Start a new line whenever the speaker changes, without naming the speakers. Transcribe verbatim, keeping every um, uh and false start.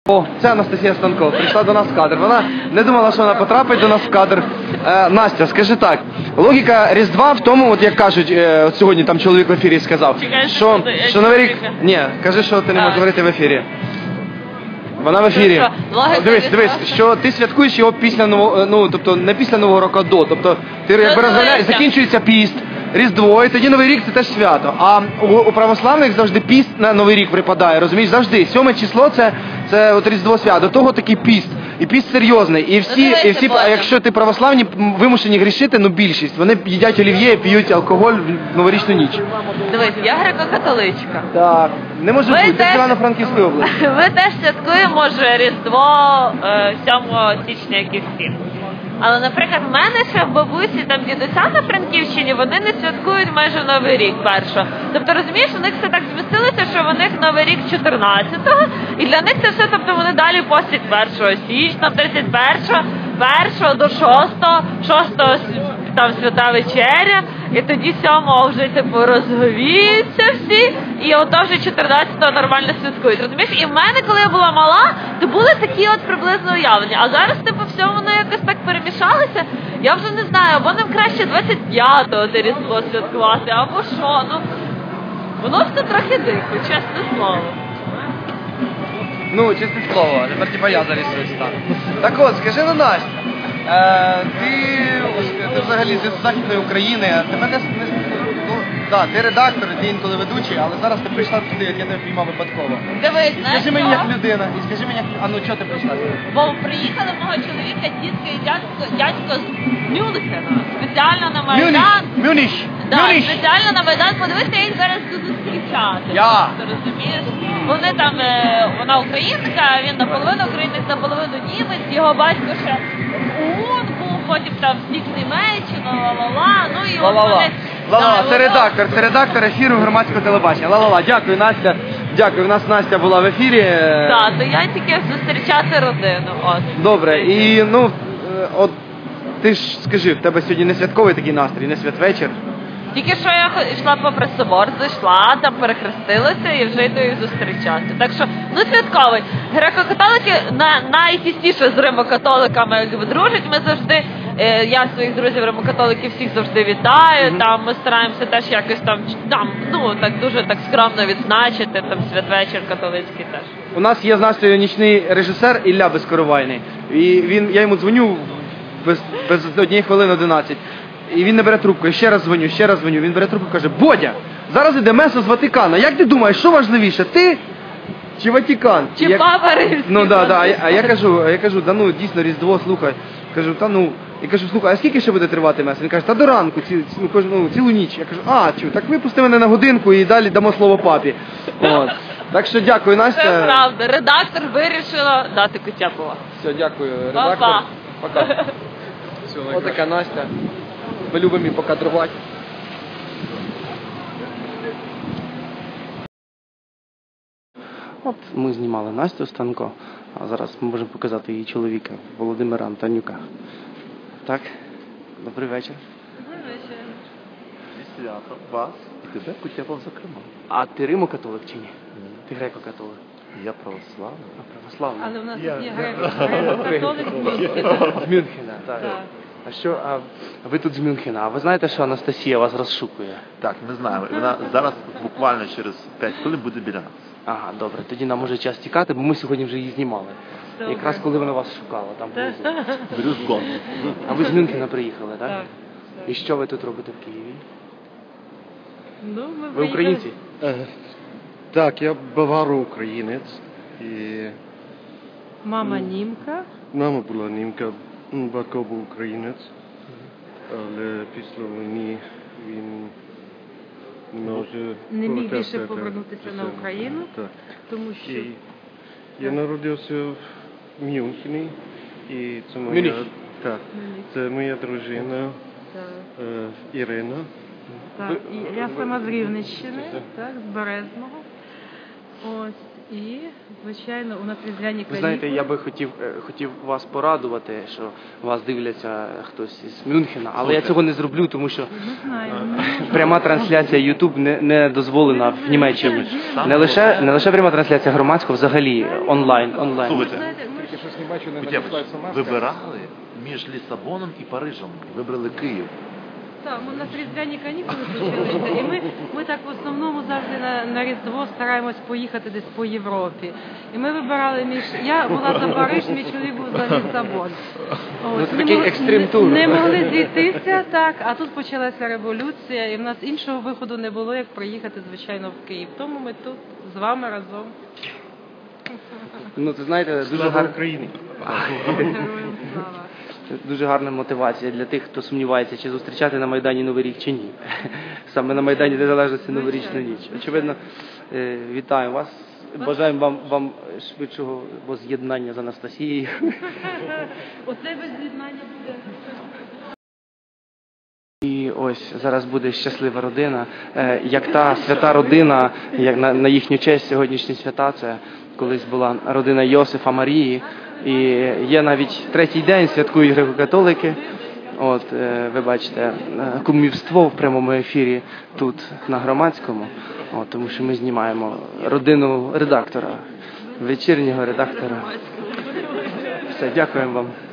О, це Анастасія Станков, прийшла до нас в кадр. Вона не думала, що вона потрапить до нас в кадр. Е, Настя, скажи так, логіка Різдва в тому, от як кажуть, е, от сьогодні там чоловік в ефірі сказав, що, що Новий рік... Ні, кажи, що ти не можеш говорити в ефірі. Вона в ефірі. Дивись, дивись, що ти святкуєш його після нового, ну, тобто не після Нового року, а до. Тобто ти якби розганяєш, закінчується піст, Різдво, і тоді Новий рік це теж свято. А у, у православних завжди піст на Новий рік припадає, розумієш, завжди. Сьоме число це, це от Різдво свято, до того такий піст. І піст серйозний. І всі, і всі, а якщо ти православні, вимушені грішити, ну більшість, вони їдять олів'є, п'ють алкоголь в новорічну ніч.
Дивись, я греко-католичка.
Так, не може бути, це з Івано-Франківської області.
Ми теж святкуємо вже Різдво сьомого січня, як і всі. Але, наприклад, в мене ще в бабусі, там дідуся на Франківщині, вони не святкують майже Новий рік першого. Тобто, розумієш, у них все так змістилося, що в них Новий рік чотирнадцятого, і для них це все, тобто вони далі постять першого січня, тридцять першого, першого до шостого, шостого там свята вечеря, і тоді сьомого вже типу розговіються всі, і ото вже чотирнадцятого нормально святкують. Розумієш? І в мене, коли я була мала, то були такі от приблизно уявлення. А зараз, типу, все воно якось так перемішалося. Я вже не знаю, або нам краще двадцять п'ятого те Різдво святкувати, або що. Ну, воно все трохи дико, чесне слово.
Ну, чесне слово, а тепер типа я зарісуюсь так. Так от, скажи на Настя, е, ти, ти взагалі з Західної України, тебе не, не ну, да, ти редактор, ти інколи ведучий, але зараз ти прийшла туди, я тебе піймав випадково.
Дивись, знаєш,
скажи мені як людина, і скажи мені, як, а ну чого ти прийшла?
Бо приїхали мого чоловіка, дітки і дядько, дядько з Мюнхена, спеціально на Майдан.
Мюніх!
Да,
Мюніх!
спеціально на Майдан, подивися, я їх зараз буду зустрічати.
Я!
Ти розумієш? Вони там, вона українка, він наполовину українець, наполовину німець, його батько ще ОУН був, потім там в Німеччину, ла-ла-ла, ну і от вони...
Ла-ла, це редактор, це редактор ефіру громадського телебачення. Ла-ла-ла, дякую, Настя. Дякую, у нас Настя була в ефірі.
Так, то я тільки зустрічати родину, от.
Добре, і ну, от ти ж скажи, в тебе сьогодні не святковий такий настрій, не святвечір?
Тільки що я йшла попри собор, зайшла, там перехрестилася і вже йду їх зустрічати. Так що, ну святковий. Греко-католики на, найтісніше з римокатоликами дружать. Ми завжди, е, я своїх друзів римокатоликів всіх завжди вітаю. Mm-hmm. Там ми стараємося теж якось там, там, ну так дуже так скромно відзначити, там святвечір католицький теж.
У нас є з Настею нічний режисер Ілля Безкоровайний. І він, я йому дзвоню без, без однієї хвилини одинадцять. І він не бере трубку, я ще раз дзвоню, ще раз дзвоню. Він бере трубку і каже: Бодя, зараз іде месо з Ватикана. Як ти думаєш, що важливіше, ти чи Ватикан?
Чи
я...
Папа Римський?
Ну да, да. А я, а я кажу, а я кажу, да ну дійсно Різдво, слухай. Кажу, та ну, я кажу, слухай, а скільки ще буде тривати месо? Він каже, та до ранку, ці, ну, кож, ну, цілу ніч. Я кажу, а, чу, так випусти мене на годинку і далі дамо слово папі. От. Так що дякую, Настя.
Це правда, редактор вирішила дати Кутяпова.
Все, дякую, редактор.
Па-па.
Пока. Ось така Настя. Ми любимо її покадрувати. От ми знімали Настю Станко, а зараз ми можемо показати її чоловіка Володимира Антонюка. Так, добрий вечір.
Добрий вечір.
Зі святом вас і тебе, Кутяпов, зокрема.
А ти римо-католик чи ні?
Ні.
Ти греко-католик?
Я православний.
А православний?
Але в нас
Я-
є
я-
греко-католик з Мюнхена.
З Мюнхена, так.
Так.
А що, а ви тут з Мюнхена, а ви знаєте, що Анастасія вас розшукує?
Так, ми знаємо. І вона зараз буквально через п'ять хвилин буде біля нас.
Ага, добре, тоді нам може час тікати, бо ми сьогодні вже її знімали.
Добре.
Якраз коли вона вас шукала, там внизу.
Брюс Гон.
А ви з Мюнхена приїхали, так?
Так.
І що ви тут робите в Києві?
Ну, ми
Ви українці?
Е, Так, я баваро-українець. І
Мама німка.
мама була німка, м, батько був українець. Але після війни він не може
Не міг
повертатися
більше
до-
повернутися
до
на
себе.
Україну,
Так.
тому що
І я народився в Мюнхені. І це моя,
Мюніх.
так, це моя дружина
та,
е, Ірина.
та, і я сама з Рівненщини, так, з Березного. Ось. І, звичайно, у нас різдвяні
Ви
канікули.
знаєте, я би хотів, е, хотів вас порадувати, що вас дивляться хтось із Мюнхена, але я цього не зроблю, тому що
Ми знаємо.
пряма трансляція YouTube не, не дозволена в Німеччині. Не лише, не лише пряма трансляція громадського, взагалі онлайн. онлайн.
Слухайте,
Знаєте, ми
Тільки щось не бачу, не
Кутєпич,
надіслається маска.
вибирали між Лісабоном і Парижем. Вибрали Київ.
Так, у нас різдвяні канікули почалися, і ми, ми так в основному завжди на, на Різдво стараємось поїхати десь по Європі. І ми вибирали між... Я була за Париж, мій чоловік був за Лісабон.
Ну, це
не
такий
мог-
екстрим-тур.
Не, не могли зійтися, так, а тут почалася революція, і в нас іншого виходу не було, як приїхати, звичайно, в Київ. Тому ми тут з вами разом.
Ну, це, знаєте, дуже
Слава
гарно.
Україні!
Героям слава.
Це дуже гарна мотивація для тих, хто сумнівається, чи зустрічати на Майдані Новий рік, чи ні. Саме на Майдані Незалежності Новорічну ніч. Очевидно, е, вітаю вас. Бажаємо вам, вам швидшого воз'єднання з Анастасією.
Оце без з'єднання буде.
І ось зараз буде щаслива родина, е, як та свята родина, як на, на їхню честь сьогоднішні свята, це колись була родина Йосифа Марії, і є навіть третій день, святкують греко-католики. От, е, ви бачите, е, кумівство в прямому ефірі тут на Громадському, от, тому що ми знімаємо родину редактора, вечірнього редактора. Все, дякуємо вам.